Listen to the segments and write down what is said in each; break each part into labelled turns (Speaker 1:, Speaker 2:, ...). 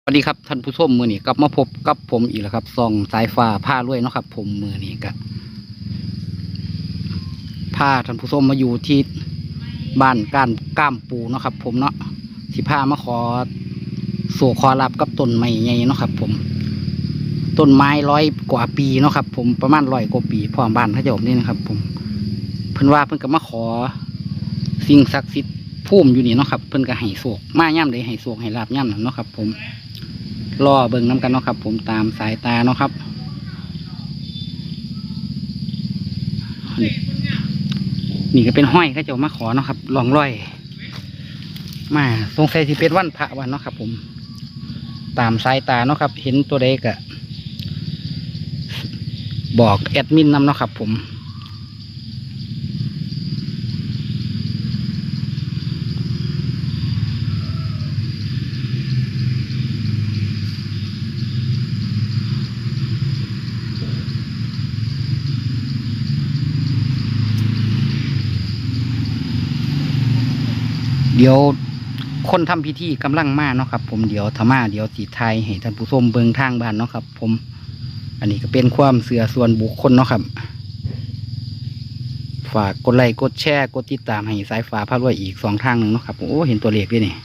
Speaker 1: สวัสดีครับท่านผู้ชมมือนี้กลับมาพบกับผมอีกแล้วครับซองสายฟ้าผ้าลวยเนาะครับผมมือนี้ก็ผ้าท่านผู้ชมมาอยู่ที่บ้านก้ามปูเนาะครับผมเนาะสิผ้ามาขอสู่ขอรับกับต้นไม้ใหญ่เนาะครับผมต้นไม้100 กว่าปีเนาะครับผมประมาณ100 กว่า ปีพร้อมบ้านพระเจ้านี่นะครับผมเพิ่นว่าเพิ่นก็มาขอสิ่งศักดิ์สิทธิ์ภูมิอยู่นี่เนาะครับเพิ่นก็ให้โศกมาย่ำใดให้โศกให้ลาบย่ำนั่นเนาะครับผมรอเบิ่งน้ำกันเนาะครับผมตามสายตาเนาะครับนี่ก็เป็นห้อยเขาเจ้ามาขอเนาะครับลองร้อยมาสงสัยสิเป็นวันพระวันเนาะครับผมตามสายตาเนาะครับเห็นตัวเด็กอะบอกแอดมินนำเนาะครับผมเดี๋ยวคนทำพิธีกำลังมาเนาะครับผมเดี๋ยวธรรมาเดี๋ยวสีไทยให้ท่านผู้ชมเบิ่งทางบ้านเนาะครับผมอันนี้ก็เป็นความเสื่อส่วนบุคคลเนาะครับฝากกดไลค์กดแชร์กดติดตามให้สายฟ้าพารวยอีก2 ทางหนึ่งเนาะครับโอ้เห็นตัวเลขด้วยนี่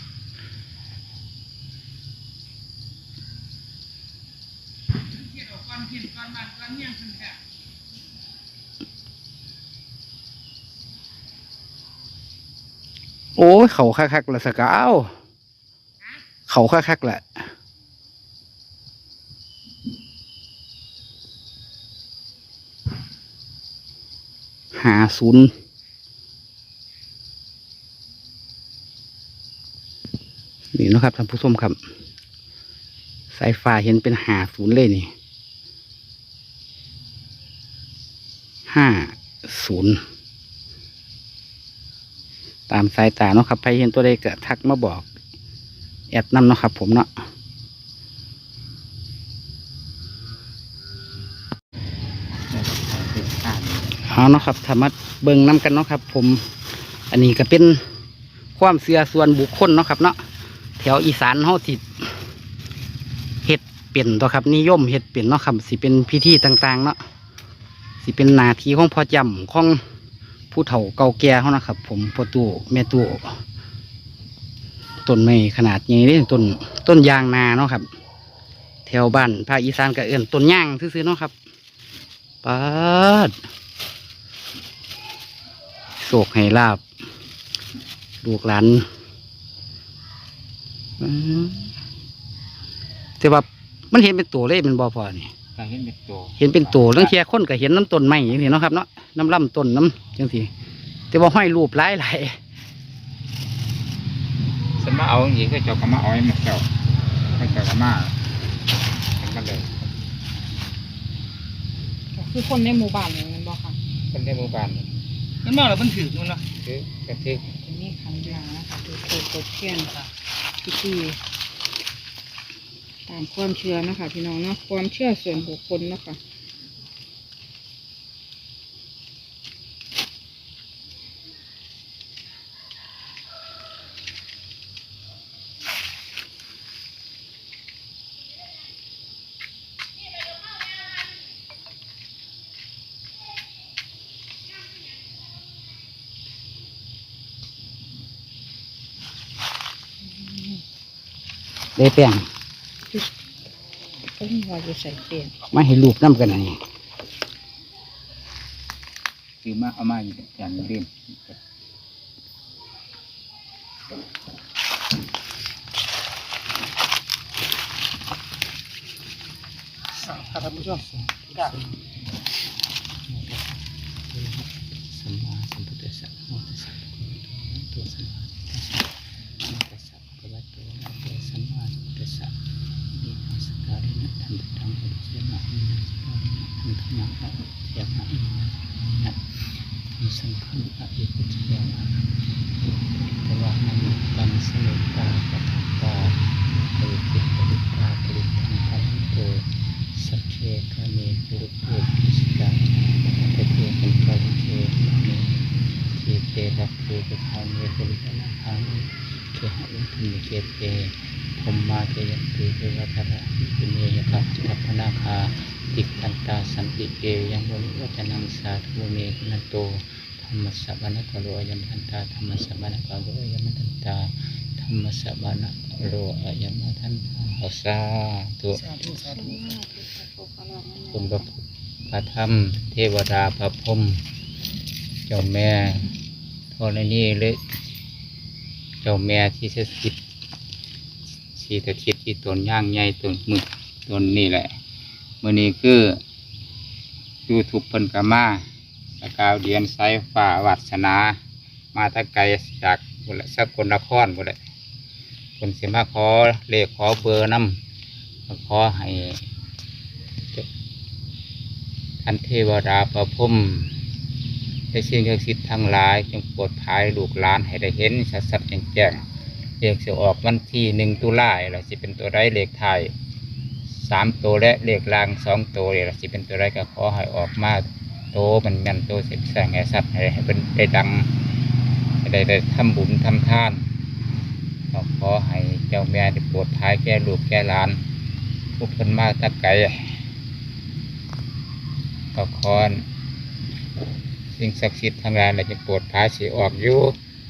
Speaker 1: โอ้ยเขาคักๆละสกาวเขาคักๆแหละ50นี่นะครับท่านผู้ชมครับสายฟ้าเห็นเป็น50เลยนี่50ตามสายตาเนาะครับใครเห็นตัวใดก็ทักมาบอกแอดนำเนาะครับผมเนาะเอาเนาะครับธรรมะเบิ่งน้ำกันเนาะครับผมอันนี้ก็เป็นความเชื่อส่วนบุคคลเนาะครับเนาะแถวอีสานเฮาสิเฮ็ดเป็นตัวครับนิยมเฮ็ดเป็นเนาะครับสิเป็นพิธีต่างๆเนาะสิเป็นหน้าที่ของพ่อจำของผู้เฒ่าเก่าแก่เขานะครับผมพ่อตู่แม่ตู่ต้นไม้ขนาดใหญ่เลยต้นยางนาเนาะครับแถวบ้านภาคอีสานก็เอื้อนต้นย่างซื่อๆเนาะครับปัดโศกให้ลาบลูกหลานแต่ว่ามันเห็นเป็นตัวเลยมันบ่พอนี่
Speaker 2: เห็นเป็นตัว
Speaker 1: เห็นเป็นตัวเรื่องเทียคนก็เห็นน้ำต้นไม้อย่างนี้เนาะครับเนาะน้ำลำต้นน้ำจังสิแต่ว่าห้อยรูปหลาย
Speaker 2: ฉันมาเอาอย่างนี้ก็เจ้าก็มาเอาให้มันเจ้าให้เจ้าก็มาเป็นกันเลย
Speaker 3: คือคนในหมู่บ้านอย่างนั้นบอกค่ะ
Speaker 2: เป็นในหมู่บ้าน
Speaker 1: มันมาแล้วมันถือมันละ
Speaker 2: คือกระทึก
Speaker 3: จะมีขันยานะคะคือโคตรเทียนค่ะพิธีตามความเชื่อนะคะพี่น้องเนาะความเชื่อส่วนบุคคลนะคะ
Speaker 1: ได้แป้ง
Speaker 3: ต้องว่าจะใส่เปลี่ยน
Speaker 1: มาให้รูปน้ำกันนี่
Speaker 2: คือมาเอามาอย่างนี้เล่น
Speaker 1: ท่านผู้ชมสัมมาสัมพุทธัสสะโมตัสสะตัวสัมมาตัสสะภะคะวะโตอะระหะโตสัมมาสัมพุทธัสสะนิพพาสการินะธรรมตังพุทธเจ้านะอินะสการินะธรรมธรรมะเจ้านะอินะมีสังฆะอะอิปุจจานะตวะนามิตังสโลกาปะทัปปาปริปิปริปาปริทังพันโตสัจเจกามิปุริปุริสกาเตเตกันตริเกนะเมทีเตระเกกทามิปุริกนาหามิเคหะอุทุมิเกเตภมมาเตยันติเทวาสัมปิเกยังบริวัจนังสาธุเมฆนันโตธรรมสสะบานกโรอยัมทันตาธรรมสสะบานกโรอยัมทันตาธรรมสสะบานกโรอยัมทันตาเอาสาธุ
Speaker 3: สาธุสาธุ
Speaker 1: คุณพระพุทธพระธรรมเทวดาพระพรหมเจ้าแม่ธรณีเลยเจ้าแม่ที่สถิตที่สถิตที่ตนย่างใหญ่ตนหมึกตนนี่แหละมื้อนี้คือยูทูบเพิ่นก็มาสกาวเดียนไซฟ้าวัฒนามาแตะไกลจากบุรีสกลนครบุรีคนสิมาขอเลขขอเบอร์นำขอให้ท่านเทวดาประพรหมได้สิ่งศักดิ์สิทธิ์ทั้งหลายจงโปรดภายลูกหลานให้ได้เห็นชัดๆแจ้งๆเลขจะออกวันที่1 ตุลาคมล่ะสิเป็นตัวใดเลขไทย3 ตัวและเลขล่าง2 ตัวนี่ล่ะสิเป็นตัวใดก็ขอให้ออกมาโตมันแม่นโตเสร็จแสงให้สัตว์ให้เป็นได้ดังให้ได้ทำบุญทำทานก็ขอให้เจ้าแม่ได้โปรดภายแก่ลูกแก่หลานทุกคนมาตะไกลก็ขอสิ่งศักดิ์สิทธิ์ทั้งหลายจะโปรดภายสิออกอยู่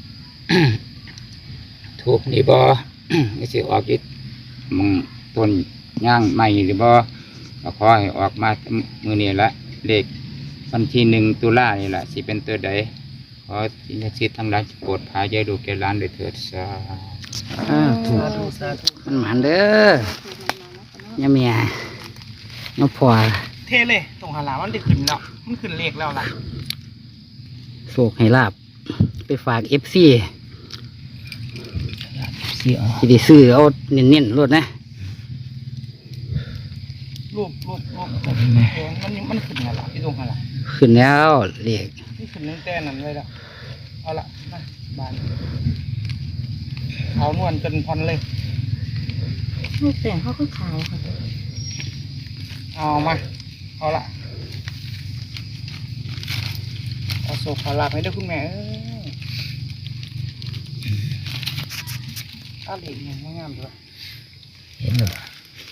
Speaker 1: ถูกนี่บ่ สิออกอยู่มึงต้นย่างใหม่หรือบ่ก็ขอให้ออกมามื้อนี้ละเลขวันที่1 ตุลาคมนี่แหละสิเป็นตัวใดขอสิ่งศักดิ์สิทธิ์ทั้งหลายโปรดภายแก่ลูกแก่หลานด้วยเถิดสาธุ
Speaker 3: สาธุสาธุ
Speaker 1: มันหมันเด้อยาเมียน้องพ่อ
Speaker 3: เทเลยตรงหาหลามันได้ขึ้นแล้วมันขึ้นเลขแล้วล่ะ
Speaker 1: โศกให้ลาบไปฝาก FC สิได้ซื้อเอาเน้นๆรถนะ
Speaker 3: รูปมันขึ้นแล้วล่ะที่ตรงหาหลา
Speaker 1: ขึ้นแล้วเลข
Speaker 3: นี่ขึ้นตั้งแต่นั้นเลยละเอาละมาบานเอานวลจนพอนเลย
Speaker 4: ลูกแต่งเขาก็ขายค่ะ
Speaker 3: เอามาเอาละเอาโศกขอลาบให้ด้วยคุณแม่เอาเหล็กเนี่ยงามๆด้วย
Speaker 1: เห็นหรือเปล่า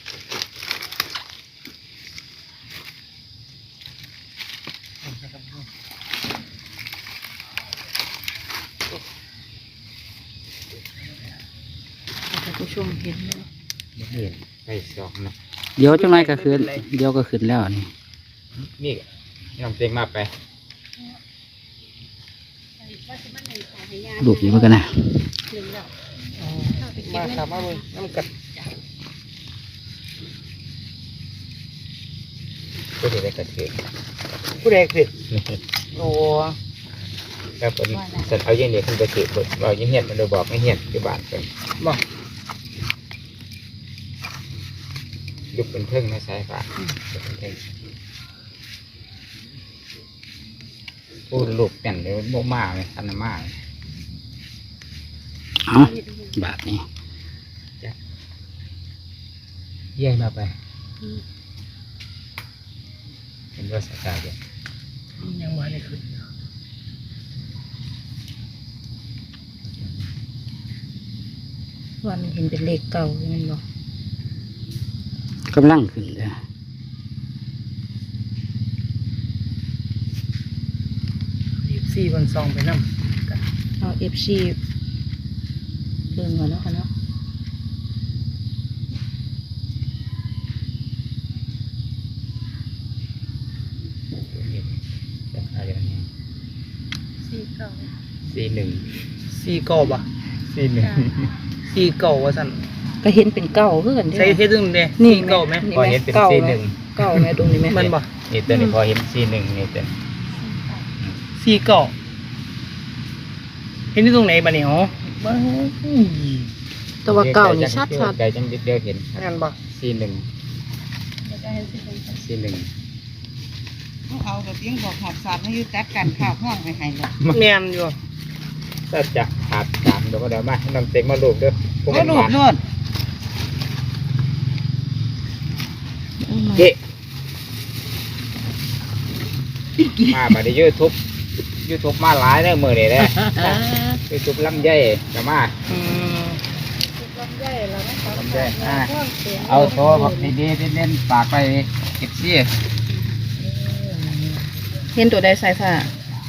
Speaker 4: ท่านผู้ชมเห็นไหม
Speaker 1: เห็นไปสองนะเดี๋ยวจังไรก็ขึ้นเดี๋ยวก็ขึ้นแล้วนี่
Speaker 2: นี่น้องเต็งมาไป
Speaker 1: ลูกอยู่เหมือนกันนะ
Speaker 3: มาครับมาเลยน้ำกัด
Speaker 1: ก็จะได้กระเทือน
Speaker 3: ผู้ใดคือโอ้
Speaker 1: แล้วเป็นสันเอาเย็นเดี๋ยวขึ้นไปถือคนเราเงียบมันเลยบอกไม่เงียบที่บ้านเป็น
Speaker 3: บ่
Speaker 1: ยุบเป็นเพิ่งนะสายฟ้ายุบเป็นเพิ่งพูดลูกแต่นเดี๋ยวโมมาเลยทันมาเอาบาทนี้จ้ะเยี่ยมมาไปเห็นว่าสกายเดียว
Speaker 3: ยังมาได้ขึ้น
Speaker 4: วันนี้เห็นเป็นเลขเก่าอย่างนั้นบ่
Speaker 1: กำลังขึ้นเลย
Speaker 3: 4 วัน 2ไปน้ำ
Speaker 4: เอา FC เบิ่งก่อนเนาะค่ะเนาะ
Speaker 1: จะอะไรอย่างเงี้ย 41
Speaker 3: 4 เก่าบ่ 4 เก่าว่าสั่น
Speaker 4: ก็เห็นเป็นเก่าคือกันเด้
Speaker 3: ใช้เฮ็ดดึงเด้
Speaker 4: นี่
Speaker 3: 4 เก่าไหม
Speaker 4: นี่
Speaker 1: พอ
Speaker 4: ไหม
Speaker 1: เห็นเป็น
Speaker 4: เก่า
Speaker 1: 41
Speaker 4: ไหมเก่าไหมตรงนี้ไหม
Speaker 3: มันบ่
Speaker 1: นี่ตัวนี้พอเห็น41นี่ตัว
Speaker 3: 4 เก่าเห็นที่ตรงไหนบ่เนี่ยอ๋อบ่
Speaker 4: แต่ว่าเก่านี่ชัด
Speaker 1: ไกลจังเดียวเห็น
Speaker 3: งานบ่
Speaker 1: 41
Speaker 5: เอาแต่เพียงบอกหอบสาดให้ยุจัดการข่าวห้องไปให้เลย
Speaker 3: แม่นอยู่
Speaker 1: ถ้าจะขาดตามเดี๋ยวก็เดี๋ยวมาให้น้ำเต็งมาลูกเด้อพวก
Speaker 5: ก็
Speaker 1: มัน
Speaker 5: หลุ
Speaker 1: มา
Speaker 5: ดโลด
Speaker 1: เจ๊มาบัดนี้YouTube มาหลายเด้อมื้อนี้เด้อ YouTube ลำไยก็มา
Speaker 3: อืม
Speaker 1: ลำไยเอาโทรบอกดีๆเน้นๆฝากไปเก็บซี่
Speaker 4: เห็นตัวใดสายฟ้า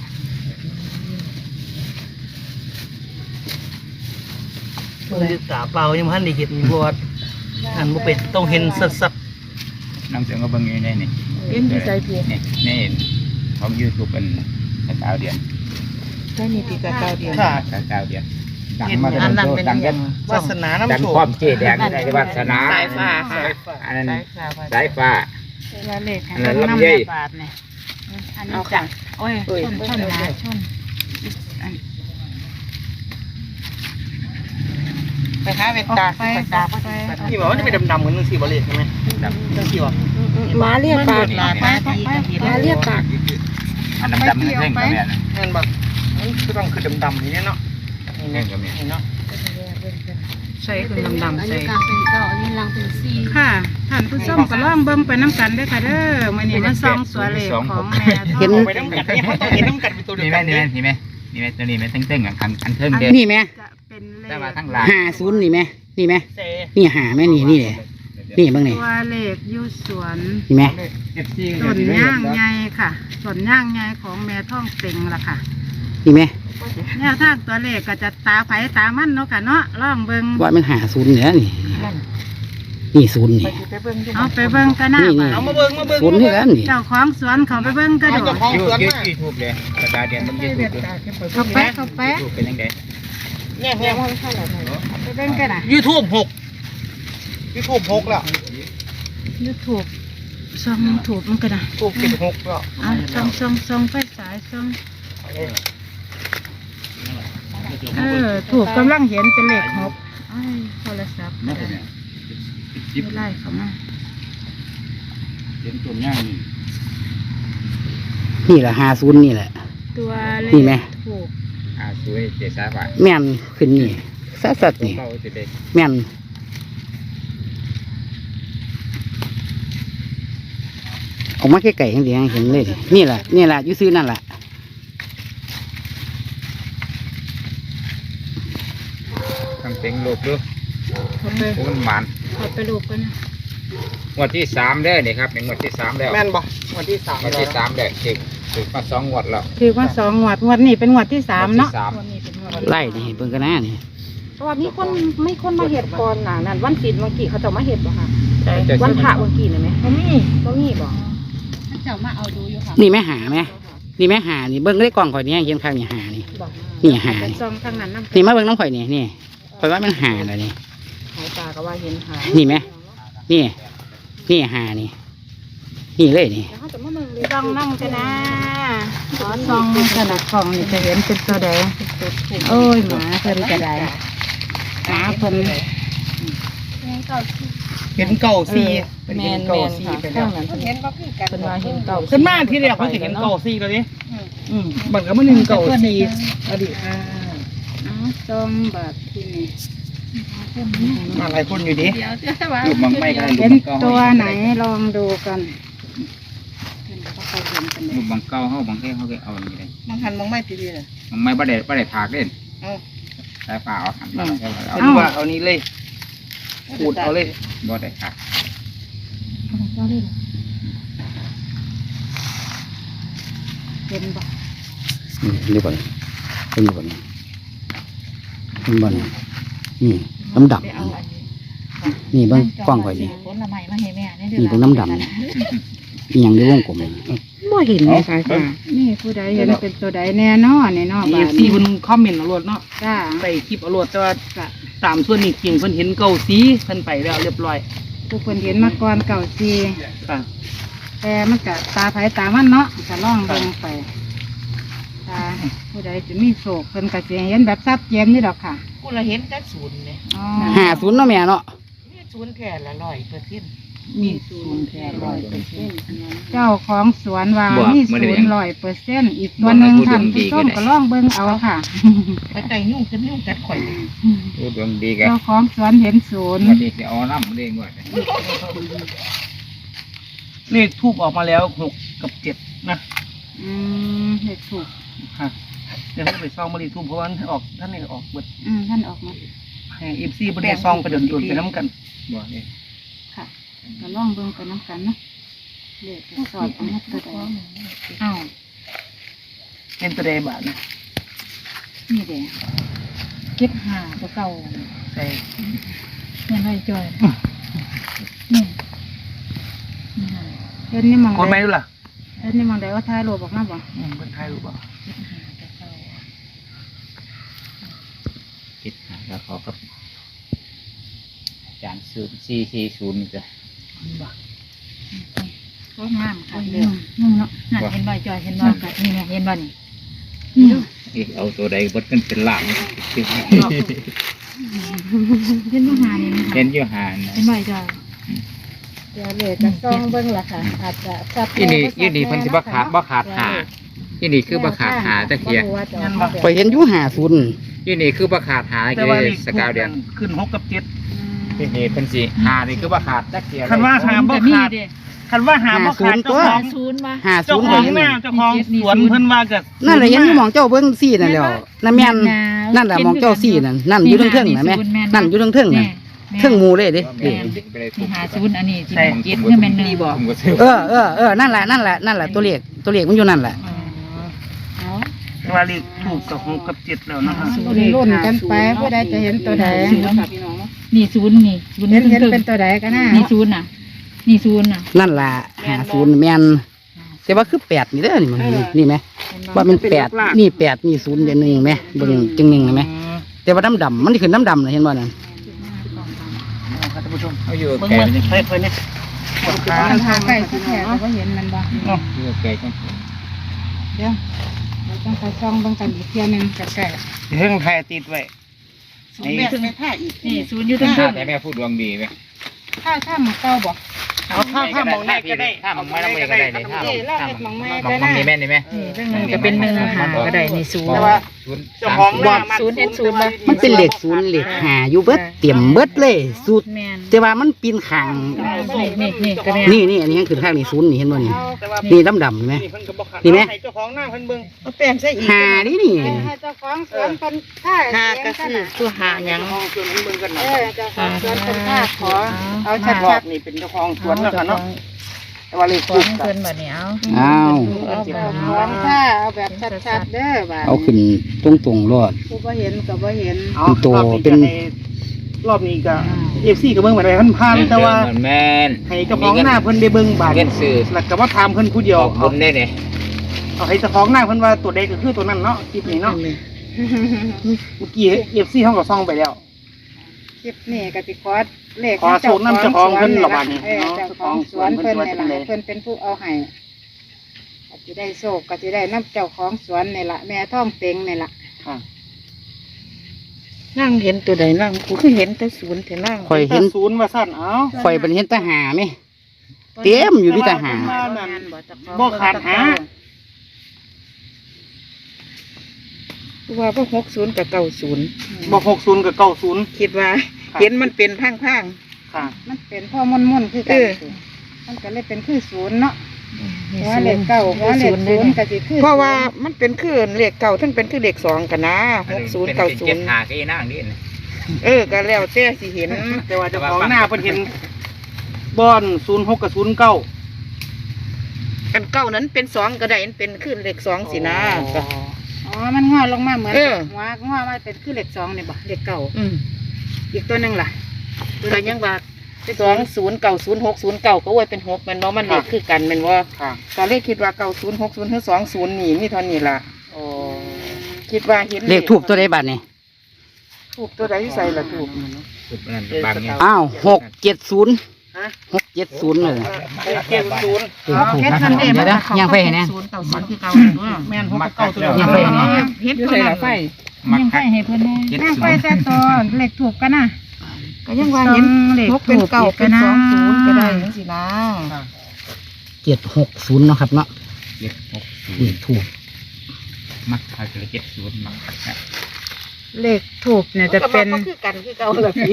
Speaker 3: มือตาเปล่ายังพันได้เห็นบวชอันบ่เป็นต้องเห็นสัด
Speaker 2: น้ำเสียงก็เบิ่งอยู่ในนี่
Speaker 4: เห็นที่สายเพีย
Speaker 2: นี่นี่ของ YouTube เป็นกาวเดียน
Speaker 4: ใช่นี่ตีกะเก้าเดียว
Speaker 3: ๆค่ะ
Speaker 2: กาวเดียนดัง
Speaker 3: เห็น
Speaker 2: มาแต่
Speaker 3: อันนั้น
Speaker 2: โต
Speaker 3: เป็น
Speaker 2: ดังกัน
Speaker 3: วาสนา
Speaker 2: ดัง
Speaker 3: น้ำโช
Speaker 2: ควา
Speaker 3: ค
Speaker 2: มเจแดงในวาสนา
Speaker 4: สายฟ้าค่ะ
Speaker 2: อันนั้น
Speaker 5: สายฟ้า
Speaker 2: สายฟ้า
Speaker 5: เวลาเลข
Speaker 2: อันนั้นลำไย
Speaker 5: บาทเนี่ยอันนี้
Speaker 4: เอา
Speaker 5: จ้ะ
Speaker 4: ค่ะ
Speaker 5: โอ้ยชนหนาชนไปหาเวตาไปตาไป
Speaker 3: นี่บอกว่าจะเป็นดำๆเหมือนจังซี่บ่เลยใช่ไหมดำจังซี่บ่
Speaker 4: หมาเรียกปาก
Speaker 5: ไป
Speaker 4: หมาเรียกปาก
Speaker 2: อันดำๆนี่เร่งก็แม่นะ
Speaker 3: แม่นบ่มันคือต้องคือดำๆนี่เนาะนี่
Speaker 2: เร่งก็แม่
Speaker 3: เนาะ
Speaker 5: ใส่คือดำๆใส่
Speaker 6: กลางเป็นเก้าอันนี้ลังเป็นสี่
Speaker 5: ค่ะท่านผู้ชมก็ลองเบิ่งไปน้ำกันได้อค่ะเด้อมื้อนี้มาส่องตัวเลขของแม่ทอง
Speaker 3: เอาไปน้ำกัดเนี่ยเขาต้องเห็นน้ำกัดเป็นตัวเดียว
Speaker 2: นี่แม่
Speaker 3: กัน
Speaker 2: นี่
Speaker 3: เนี่ย
Speaker 2: แม่นี่แม่นี่แม่ตัวนี้แม่ตึ้งๆอันเทิงเด้
Speaker 1: นี่ไหม
Speaker 5: จะเป็นเล
Speaker 2: แต่
Speaker 5: ข
Speaker 2: ว่าทั้งหลาย
Speaker 1: 50นี่ไหมนี่ไหม
Speaker 3: เซ่
Speaker 1: นี่หาไหมนี่นี่เลยนี่เบ้างนี่
Speaker 5: ตัวเลขอยู่สวน
Speaker 1: นี่ไหม
Speaker 5: ต้นย่างใหญ่ค่ะต้นย่างใหญ่ของแม่ท่องเต็งล่ะค่ะ
Speaker 1: นี่ไหม
Speaker 5: แนวทางตัวเลขก็จะตาไผตามันเนาะค่ะเนาะลองเบิ่ง
Speaker 1: ว่ามัน50เนี่ยนี่นี่ศูนย์นี่
Speaker 5: เอาไปเบิ่งกันหน้า
Speaker 1: นี่
Speaker 5: บ้า
Speaker 3: เอามาเบิ่งมาเบิ่ง
Speaker 1: ศูนย์ที่กันนี่
Speaker 5: เจ้าของสวนเขาไปเบิ่งกระโดด
Speaker 3: ของสวนมา
Speaker 2: ยูทูบเลยกระดาษเดียนมันยูทูบ
Speaker 5: เขาแปะเขาแปะ
Speaker 2: ยูทูบเป็นยังไง
Speaker 3: เนี่ยเนี่ย
Speaker 5: ไปเบิ่งกันน่ะ
Speaker 3: YouTube 6 YouTube 6แล้ว
Speaker 5: ยูทูบส่องถูกมันกันน่ะ
Speaker 3: ถูก16แล้ว
Speaker 5: เอาส่องไฟสายส่องถูกกำลังเห็นเป็นเลขหกอ้ายโทรศัพท์ไม่ไล่เขามา
Speaker 2: เห็นต้นย่างนี่
Speaker 1: นี่แหละ50นี่แหละ
Speaker 5: ตัวเล
Speaker 1: นี่ไหม
Speaker 5: ขถูก
Speaker 2: สวยเจสาบะ
Speaker 1: แม่นขึ้นนี่สัดๆนี่
Speaker 2: เบาสิเด็ก
Speaker 1: แม่นออกมาใกล้ๆจังซี่เห็นเลยนี่แหละนี่แหละอยู่ซื้อนั่นแหละ
Speaker 2: ตั้งเต็งโลกดู
Speaker 5: เขาไป
Speaker 2: มันหวาน
Speaker 5: เขาไปลูกกันนะ
Speaker 2: งวดที่3ได้นี่ครับเป็นงวดที่3แล้ว
Speaker 3: แม่นบ่วันที่3
Speaker 2: งวดที่3ได้ถึงมา2งวดแล้ว
Speaker 5: ถือว่าสองงวดงวดนี้เป็นงวดที่สามเนาะ
Speaker 2: งวดที่สาม
Speaker 5: งวดนี้เป็นงวด
Speaker 1: ไล่นี่เบิ่งกันนะนี่
Speaker 4: เพราะว่ามีคนไม่คนมาเห็ดก่อนน่ะนั่นวันศีลเมื่อกี้เขาจะมาเห็ดบ่ค่ะ
Speaker 5: ใช่
Speaker 4: วันพระเมื่อกี้น่ะไหม
Speaker 5: เขามี
Speaker 4: ก็มีบ่
Speaker 6: ถ้าเจ้ามาเอาดูอยู่ค่ะ
Speaker 1: นี่แม่หาไหมนี่แม่หานี่เบิ่งได้กล่องข่อยนี่เห็นข้างนี่หานี่
Speaker 4: บอก
Speaker 1: นี่หา
Speaker 5: เป็น
Speaker 1: นี่
Speaker 5: ซองทางนั้นน้ำ
Speaker 1: นี่มาเบิ่งน้ำข่อยนี่นี่ข่อยว่ามันหาเลยนี่
Speaker 4: หายตาก็ว่าเห็นหา
Speaker 1: นี่ไหมนี่นี่หานี่นี่เลยนี่
Speaker 4: แล้วเขาจะมาเมืองเลย
Speaker 5: ซองนั่งกันนะขอซองขนาดกล่องนี่จะเห็นเป็นตัวแดงโอ้ยหมาเพิ่นกระไดหมาเพิ่น
Speaker 3: เห็นเก่าซี
Speaker 4: แมน
Speaker 3: เก่า
Speaker 4: แมน
Speaker 3: ซี
Speaker 4: ค่ะ
Speaker 3: ไป
Speaker 4: ข้า
Speaker 3: แล้ว
Speaker 4: งนั้นเพิ่นเป็นว่าเห็นเก่า
Speaker 3: ขึ้นมาที่แรกเขาจะเห็นเก่าซีแล้วดิบังก็มันหนึ่งเก่าซีอดีต
Speaker 5: เอาซองแบบที่นี่
Speaker 3: มาหลายคนอยู่ดิ
Speaker 6: เดี๋ยวจะว่า
Speaker 2: ลูกมังไม่ก็ได้ลู
Speaker 5: เห็
Speaker 2: ก
Speaker 5: น
Speaker 2: มังเก้า
Speaker 5: ตัวไหนลองดูกัน
Speaker 2: ลูกมังเก้าเขาบางทีเขาก็เอาอย่างนี้เลย
Speaker 3: มังหันมังไม่ตีดีเลย
Speaker 2: มังไม่บ่ได้ถากเล่นสายฟ้าเอาหันมาเอา
Speaker 3: เอาดูว่าเอานี้เลยขูดเอาเลย
Speaker 2: บ่ได้ถาก
Speaker 5: เห็นบ่
Speaker 1: ดูก่อนเป็นดูก่อนเป็นบ่อนนี่น้ำดำนี่เบิ่งกว้างข่อยนี่
Speaker 6: ผลไม้มาให้แม่เนี่ย
Speaker 1: นี่เบิ่งน้ำดำนี่อีหยังในวงกลมนี่
Speaker 4: บ่เห็นในสายตา
Speaker 5: นี่ผู้ใดเห็นเป็นตัวใดแน่นอนนี่เนาะ
Speaker 3: เอ
Speaker 5: บ้า
Speaker 3: ฟ
Speaker 5: น
Speaker 3: ซีเพิ่นคอมเมนต์เอารวดเนาะ
Speaker 5: จ้า
Speaker 3: ใส่คลิปเอารวดแต่ว่าตามส่วนนี้จริงเพิ่นเห็นเก่าซีเพิ่นไปแล้วเรียบร้อย
Speaker 5: ผู้คนเห็นมาก่อนเก่าซี
Speaker 3: ค่ะ
Speaker 5: แต่มันก็ตาไผตามันเนาะก็ล่องเบิ่งไปตาผู้ใดจะมีโศกเพิ่นก็สิเห็นแบบชัดเจนนี่ดอกค่ะ
Speaker 6: กูละเห็นแต่ศูนย์เนี่ย
Speaker 5: อ๋อ
Speaker 1: 50เนาะแม่เนาะ
Speaker 6: มีศูนย์แค่ละ100%
Speaker 3: มีศูนย์แท้100%
Speaker 5: เจ้าของสวนว่ามี0%อีกตัวหนึงท่านผู้ชมก็ล่องเบิ่งเอาค่ะ
Speaker 6: ไปไต่ยุ่งจะยุ่งกัดข่อยเลย
Speaker 2: ดูดวงดีกัน
Speaker 5: เจ้าของสวนเห็นศูนย์
Speaker 2: วันนี้จะเอาน้ำเล่งว่า
Speaker 3: เลขทูบออกมาแล้ว6 กับ 7นะ
Speaker 5: เห็ดถูก
Speaker 3: ค่ะเดี๋ยวให้ไปซ่องมาเลขทูบเพราะว่าท่านออกท่านนี่ออกเบิด
Speaker 5: ท่านออกมา
Speaker 3: ให้เอฟซีบ่ได้ซ่องไปเดินตัวไปน้ำกัน
Speaker 2: บ่นี่
Speaker 5: ค่ะก็ล่องเบิ่งไปน้ำกันเนาะเด็กสอดเอามาตัวใดอ้าว
Speaker 3: เห็นตัวใดบาทนะ
Speaker 5: นี่เด้เก็บหาตัวเก่า
Speaker 3: ใส่
Speaker 5: เงินไว้จ่อยนี่เห็นนี่มอง
Speaker 3: คนไหมดูล่ะ
Speaker 5: เห็นนี่มองได้ว่าถ่ายรูปออกมาบ่
Speaker 3: คนไทยรู้ป่ะ
Speaker 1: คิดหาแล้วเขากับอาจารย์0440จ้ะ
Speaker 5: ก็งามค่ะเด้อนุ่งเนาะนั่นเห็นบ่จ่อยเห็นบ่นี่แม่เห็นบ่นี่นี่เนาะ
Speaker 1: อีกเอาตัวใดเบิดกันเป็นล้านคิด
Speaker 5: เห็นบ่หานี่นะคะ
Speaker 1: เห็นอยู่หานะ
Speaker 5: เห็นบ่จ่อยเดี๋ยวเลยจะซองเบิ่งล่ะค่ะอาจจะซับ
Speaker 1: ยี่นี่เพิ่นสิบ่ขาดหายี่นี่คือบ่ขาดหาตะเคีย
Speaker 4: ข่อยเห็นอยู่50
Speaker 1: ยี่นี่คือบ่ขาดหา
Speaker 3: แต่
Speaker 1: เก
Speaker 3: ว่าเลข
Speaker 1: สกาวเดือน
Speaker 3: ขึ้น6 กับ 7
Speaker 1: ยี่นี่เพิ่นสิหานี่คือบ่ขาดตะเคีย
Speaker 3: คันว่าหาบ่ขาดคันว่าหาบ่ขาดเจ้าของ
Speaker 6: ศูนย์มา
Speaker 3: เจ้า
Speaker 4: 50
Speaker 3: ข
Speaker 4: ข่
Speaker 3: อ
Speaker 4: อง ยเห็น
Speaker 3: หน้าเจ้าของสวนเพิ่นว่าก็
Speaker 4: นั่นแหละเห็นอยู่หมองเจ้าเบิ่งซี่นั่นแหล้วนั่นแม่นนั่นแหละหมองเจ้าซี่นั่นอยู่เทิงๆน่ะแม่นั่นอยู่เทิงๆน่ะเทิงหมู่เลยเด้
Speaker 6: ที่หาศูนย์อันนี้ที่เจ็ดนี่แม่นหนึ่งบอก
Speaker 4: นั่นแหละตัวเลขมันอยู่นั่นแหละ
Speaker 3: ว่าเลขถูกกับ6 กับ 7แล้วนะครับ
Speaker 5: รุ่นกันไปผู้ใดจะเห็นตัวใด
Speaker 6: นี่ศูนย์นี่ศูนย์
Speaker 5: เห็นเป็นตัวใดกันนะ
Speaker 6: นี่ศูนย์น่ะนี่ศูนย์น่ะ
Speaker 4: นั่นล่ะ50แม่นแต่ว่าคือ8นี่เด้อนี่มันนี่แม่ว่ามัน8นี่8นี่0เดี๋ยว1แม่เบิ่งจัง1นะแม่แต่ว่าดำๆมันขึ้นดำๆน่ะเห็นบ่นั่น
Speaker 3: ท่านผู้ชม
Speaker 1: เอาอยู่
Speaker 3: เบิ่ง
Speaker 1: แก่
Speaker 3: มัน
Speaker 1: นี่
Speaker 3: เพิ่นเนี่ยปวดขา
Speaker 5: ทางใกล้ที่แท้ก็เห็นมันบ่
Speaker 1: อยู่แก่จัง
Speaker 5: เดี๋ยวเราต้องไปช่องเบิ่งกันอีกเที่ยนึงใกล้
Speaker 3: เพิ่งถ่ายติดไว้
Speaker 6: ศูนย์แม่ถึงไม่ท่าอีกนี่ศูนย์อยู่ตรง
Speaker 1: ถ้า
Speaker 6: นั้น
Speaker 1: แต่แม่พูดดวงดีไหม
Speaker 5: ๆถ้าหมองเก่าบ่
Speaker 3: เอาถ้ามองได้ก็ได้
Speaker 1: ถ้ามองไม่ต้องก็ได้เลยถ้ามอง
Speaker 5: เราเฮ็ดหมองไม้
Speaker 1: ม
Speaker 5: ก็
Speaker 1: อง
Speaker 5: ได้
Speaker 1: นี่แม่นี่แม่
Speaker 6: นี่เรื่องหนึ่งก็เป็นหนึ่งหาก็ได้นี่ศูนย์
Speaker 3: แต่ว่า เจ้าของหน้า
Speaker 6: ศูนย์เห็นศูนย์บ่
Speaker 4: มันเป็นเลข0เลข5อยู่เบิดเต็มเบิดเลยสุด
Speaker 6: แม่น
Speaker 4: แต่ว่ามันปีนข้าง
Speaker 6: นี่ก็แม่น
Speaker 4: นี่อันนี้ยังขึ้นข้างนี่0นี่เห็นบ่นี่
Speaker 3: แต่ว่า
Speaker 4: นี่ดำๆเห็นไหม
Speaker 3: เพิ่นก็บ่ขาด
Speaker 4: นี่ไหม
Speaker 3: ให้เจ้าของหน้าเพิ่นเบิ่ง
Speaker 6: เอาแป้งใส่อีก
Speaker 4: 5นี่
Speaker 5: ให้เจ้าของสวนเพิ่นท่า
Speaker 6: หาก็คือตัวหาหยัง
Speaker 3: เจ้าของสวนเพิ่นเบิ่งกันนะ
Speaker 5: เจ้าของสวนเพิ่นท่าขอเอา
Speaker 3: ชั
Speaker 5: ชั
Speaker 3: ด
Speaker 5: ด
Speaker 3: ๆนี่เป็นเจ้าของสวนแล้วค่ะเนาะแต่ว่าเลข
Speaker 6: ขอ
Speaker 3: ถูก
Speaker 6: ง
Speaker 3: กั
Speaker 6: เพิ่
Speaker 3: น
Speaker 6: นบัดนี้เอา
Speaker 4: อ้าว
Speaker 5: ๆเอาแบบของท่าเอาแบบชัดๆเด้อบ่า
Speaker 4: เอาขึ้นตรงๆรอด
Speaker 5: ผู้บ่เห็นก็บ่เห็น
Speaker 3: เอา
Speaker 4: เป็นตัว
Speaker 3: รอบนี้
Speaker 4: เป็น
Speaker 3: ก็ให้รอบนี้ก็ FC ก็เบิ่งไปได้พันๆแต่ว่า
Speaker 1: แม่น
Speaker 3: ให้เจ้าของหน้าเพิ่นได้เบิ่งบาด
Speaker 1: เงินซื้อ
Speaker 3: แล้วก็มาถามเพิ่นผู้เดียว
Speaker 1: ขอบคุณได้เนี่ย
Speaker 3: เอาให้เจ้าของหน้าเพิ่นว่าตัวใดก็คือตัวนั้นเนาะคลิปนี้เนาะเมื่อกี้ FC เฮาก็ส่องไปแล้ว
Speaker 5: คลิปนี้ก็สิขอเลข
Speaker 3: ขอสูตรนำเจ้าของเพิ่นละบาดนี้
Speaker 5: เจ้าของสวนเพิ่นนี่ล่ะ
Speaker 3: เนาะ
Speaker 5: เพิ่นเป็นผู้เอาให้ก็สิได้โชคก็สิได้นำเจ้าของสวนนี่ล่ะแม่ท่องเต็งนี่ล่ะ
Speaker 3: ค่ะ
Speaker 6: นั่งเห็นตัวใดนั่งกูคือเห็นแต่ศูนย์แต่นั่ง
Speaker 4: ข่อยเห็น
Speaker 3: ศูนย์ว่าซั่นเอ้า
Speaker 4: ข่อยเป็นเห็นทหารไหมเต็มอยู่ที่ทหาร
Speaker 3: บ่ขาดหา
Speaker 6: ว่าพวก60กับ90
Speaker 3: บ่60กับ90
Speaker 6: คิดว่า เห็นมันเป็นพัง
Speaker 3: ค่ะ
Speaker 5: มันเป็นพ่อม่นๆคือกันมันก็เลยเป็นคือศูนย์เนาะหัวเลขเก้าหัวเลขศูนย์ก็สิคือ
Speaker 6: เพราะว่ามันเป็นคือเลขเก่าทั้งเป็นคือเลข2กันนะ60
Speaker 1: เจ็ดหา
Speaker 6: 90
Speaker 1: ก็อีนั่งนี่
Speaker 6: ก็แล้วแต่สิเห็น
Speaker 3: แต่ว่าเจ้าของหน้าเพิ่นเห็นบอน06กับ09
Speaker 6: กันเก่านั้นเป็น2ก็ได้มันเป็นคือเลข2สินะก็
Speaker 5: อ๋อมันงอลงมาเหมือน
Speaker 6: เออ
Speaker 5: หัวงอมาเป็นคือเลข2นี่บ่เลขเก้า
Speaker 6: อืม
Speaker 5: อีกตัวหนึงล่ะ
Speaker 6: ก็ยังว่า209060ก็ไว้เป็น6แม่นบ่มันเลขคือกันแม่นบ่
Speaker 3: ค่ะ
Speaker 6: ก็เลยคิดว่า9060หรือ20นี่มีเท่านี้ล่ะ
Speaker 3: โอ้
Speaker 6: คิดว่าเห็น
Speaker 4: เลขทูบตัวใดบัดนี่
Speaker 6: ถูกตัวใดใส่ละถูก
Speaker 1: สุดนั่นบางเนี่ย
Speaker 4: อ้าว670เลย
Speaker 3: 670
Speaker 4: ถูกนะครับเดี๋ยวนะย่างไปให้แน่
Speaker 6: 090คือเก่าตัว
Speaker 3: แม่น6กับ9ตัวเดียว
Speaker 4: ยังไปให้แน่
Speaker 6: เฮ็ดตัวนั้น
Speaker 1: มัก
Speaker 5: ยังไปให้เพิ่นแน่ยังไปแต่ตัวเลขถูกกันนะ
Speaker 6: ก็ยังว่าเห็น
Speaker 5: เลข
Speaker 6: นกเป็นเก่าเป็น20ก็ได้จังซี่นะ
Speaker 4: 760เนาะครับเนาะ
Speaker 1: 760
Speaker 4: เลขทูบ
Speaker 1: มักคักเลย70มักคัก
Speaker 5: เลขถูกเนี่ยจะเป็น
Speaker 6: ก็คือกันคือเก่าละพี่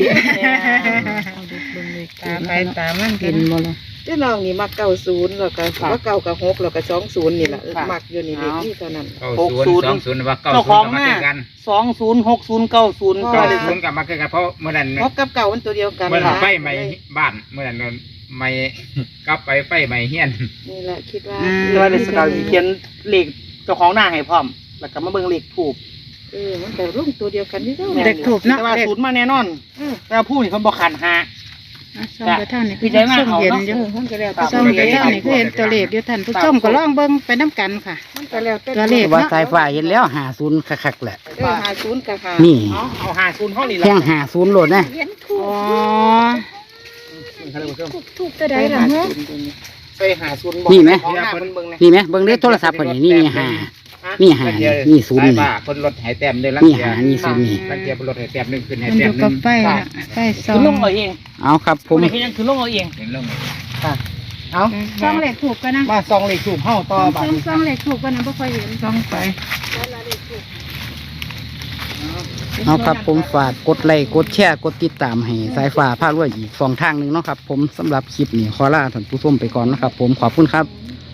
Speaker 5: ตามไปตามมัน
Speaker 4: เป็นบ่ล่ะ
Speaker 6: เจ้าน้องนี่มัก90แล้วก็ว่าเก่ากับ6แล้วก็20นี่ล่ะมักอยู่นี่เลขนี่เท่านั้น
Speaker 1: 90 20ว่า90
Speaker 3: เจ้าของ
Speaker 1: ก็
Speaker 3: ห
Speaker 1: มา
Speaker 3: น้า
Speaker 1: คือกัน
Speaker 3: 206090
Speaker 1: ก็
Speaker 3: ก็เลย
Speaker 1: ศูนย์กับมาคือกันเพราะเมื่อนั้น
Speaker 6: 6กับเก่ามันตัวเดียวกัน
Speaker 1: เมื่อนั้น
Speaker 6: ล่ะ
Speaker 1: ไฟไหม้บ้านเมื่อนั้นไหม้กลับไปไฟไหม้เฮียน
Speaker 6: นี่แหละคิดว่า
Speaker 3: แต่ว่าในสกาวสิเขียนเลขเจ้าของหน้าให้พร้อม แล้วก็มาเบิ่งเลขถูก
Speaker 6: มันแต่รุ่งตัวเดียวกันนี่เด้อ
Speaker 5: เด็กถูกเนาะ
Speaker 3: แต่ว่า
Speaker 5: เด็ก
Speaker 3: ศูนย์มาแน่นอน แต่ว่าผู้นี่เขาบอกขันหา
Speaker 5: ส่องไปท่านนี่
Speaker 3: พี่ใจมาก
Speaker 5: ส่อง
Speaker 3: เอา
Speaker 5: เห็น
Speaker 3: เนาะ
Speaker 5: อยู่
Speaker 6: มันก็แล้ว
Speaker 5: ส่องไปท่านนี่คือเห็นตัวเลขอยู่ท่านผู้ชมก็ลองเบิ่งไปน้ำกันค่ะ
Speaker 6: มันก็แล้ว
Speaker 5: ตัวเลข
Speaker 4: แต่ว่าสายฟ้าเห็นแล้ว50คักๆแหละ
Speaker 6: 50กับ5
Speaker 4: นี่
Speaker 3: เอาหาศูนย์ห้องนี่
Speaker 4: แท่ง50โหลดนะ
Speaker 6: เห็นถูก
Speaker 5: อ๋อ
Speaker 6: ถูกตัวใดล่ะฮะ
Speaker 3: ไปหาศูนย์
Speaker 4: นี่ไหม
Speaker 3: ของหน้าเพิ่นเบิ่งนะ
Speaker 4: นี่ไหมเบิ่งเด้อโทรศัพท์เพิ่นนี่นี่5นี่5นี่0
Speaker 2: สาย
Speaker 4: นี่
Speaker 2: ฟ้าคนรถหายแต้มเลยลัง
Speaker 4: นี่
Speaker 2: เทีย
Speaker 4: 5นี่0นี่
Speaker 2: ลังเทียบนรถหายแต้มหนึ่งขึ้นหาย
Speaker 5: มัน
Speaker 2: แต้
Speaker 5: อ
Speaker 2: ม
Speaker 5: ยู่
Speaker 2: ห
Speaker 5: กั
Speaker 2: นึ่
Speaker 5: บ
Speaker 2: ง
Speaker 5: ไฟน่ะไฟส่อ
Speaker 3: คือง ลงเอาเอง
Speaker 4: เอาครับผม
Speaker 3: นี่คือยังคือลงเอาเอง
Speaker 2: เห็นลง
Speaker 3: เอา
Speaker 5: ส่องเลขถูกกันนะ
Speaker 3: มาซองเลขถูกเฮาต่อบัดนี้
Speaker 5: ส่องเลขถูกกันนะบ่ค่อยเห็นส่องไป
Speaker 4: เอาครับผมฝากกดไลค์กดแชร์กดติดตามให้สายฟ้าพารวยอีก2ทางหนึงเนาะครับผมสำหรับคลิปนี้ขอลาท่านผู้ชมไปก่อนนะครับผมขอบคุณครับ